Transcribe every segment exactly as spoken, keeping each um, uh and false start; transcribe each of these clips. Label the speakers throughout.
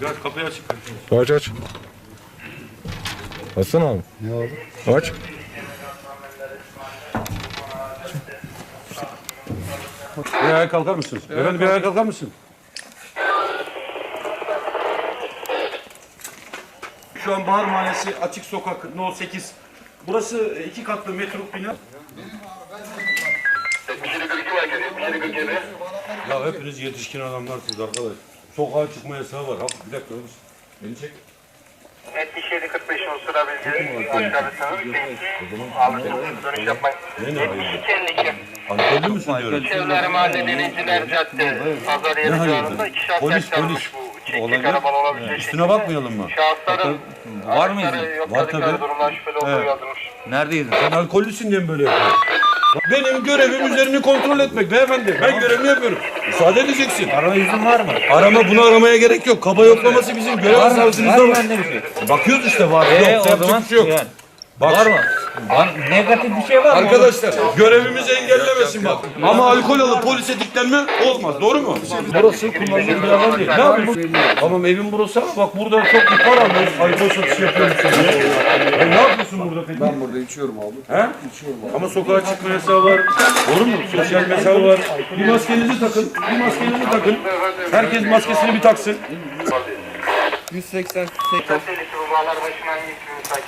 Speaker 1: aç, kapıyı açık.
Speaker 2: Aç aç. Açsana abi.
Speaker 3: Ne oldu?
Speaker 2: Aç.
Speaker 1: Bir ayağa kalkar mısınız? Evet, Efendim bir ayağa kalkar mısın? Şu an Bahar Mahallesi Açık Sokak No sekiz. Burası iki katlı metruk bina. Ya hepiniz yetişkin adamlarsınız arkadaş. Sokağa çıkma yasağı var. Hafif bir dakika. Beni çek.
Speaker 4: yetmiş yedi kırk beş unsura bilgi aşağıdasınız. Alışırsınız dönüş yapmayın. yetmiş iki elli iki.
Speaker 1: Alkollü müsün diyorum.
Speaker 4: Çevre Mahalle Denizciler Cadde. Pazar yeri civarında iki şahs
Speaker 1: Polis,
Speaker 4: yaşlanmış bu. Çekik araban olabilecek.
Speaker 1: Üstüne bakmayalım mı?
Speaker 4: Şahısların
Speaker 5: Var mıyız?
Speaker 1: Var tabii.
Speaker 4: durumdan şüpheli olduğu yazılmış.
Speaker 5: Neredeydin?
Speaker 1: Sen alkollüsün diye mi böyle yapıyorsun? Benim görevim üzerini kontrol etmek beyefendi. Ben görevimi yapıyorum. Müsaade edeceksin.
Speaker 5: Arama izin var mı?
Speaker 1: Arama bunu aramaya gerek yok. Kaba yoklaması bizim görev
Speaker 5: Var mı?
Speaker 1: savcımızda
Speaker 5: Var mı
Speaker 1: var.
Speaker 5: bende bir şey?
Speaker 1: Bakıyoruz işte var.
Speaker 5: Ee,
Speaker 1: Yok,
Speaker 5: o
Speaker 1: yapacak
Speaker 5: zaman
Speaker 1: bir şey yok.
Speaker 5: yani.
Speaker 1: Bak.
Speaker 5: Var mı? Var, negatif bir şey var mı?
Speaker 1: Arkadaşlar görevimizi engellemesin bak. Ama alkol alıp polise diklenme olmaz. Doğru mu? Burası kullanılan bir alan değil. Ne yapıyorsun? Tamam evin burası ama bak burada çok ihbar alıyoruz. Alkol satışı yapıyormuşsun diye. E, ne yapıyorsun burada peki?
Speaker 3: Ben burada içiyorum abi.
Speaker 1: He?
Speaker 3: İçiyorum abi.
Speaker 1: Ama sokağa çıkma yasağı var. Doğru mu? Sosyal mesafe var. Bir maskenizi takın. Bir maskenizi takın. Herkes maskesini bir taksın.
Speaker 3: yüz seksen
Speaker 4: Tehlikeli bu bağlar başına iyi ki müsait.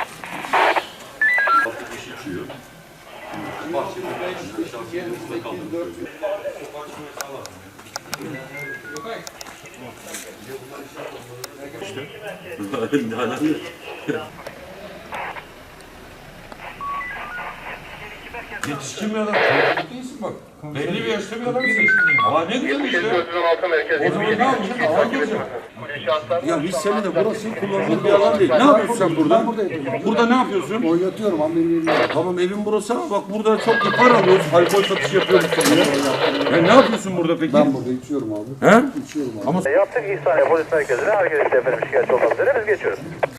Speaker 1: Yetişkin bir adam. Çocuk değilsin bak. Belli bir yaşta bir adamsın. Ama ne güzel işte. O zaman ne yapacaksın? Ağlıyorsun. Ya biz seni de burası kullanılan bir alan değil. Ne yapıyorsun sen burada? Burada ne yapıyorsun?
Speaker 3: oynatıyorum abi benim yerim.
Speaker 1: Tamam evin burası ama bak burada çok ihbar alıyoruz. Alkol satışı yapıyoruz diye. Ya ne yapıyorsun burada peki?
Speaker 3: Ben burada içiyorum abi.
Speaker 1: He?
Speaker 3: İçiyorum abi.
Speaker 4: Yaptık İhsaniye Polis Merkezi'ne. Herkes efendim şikayetçi olmak üzere biz geçiyoruz.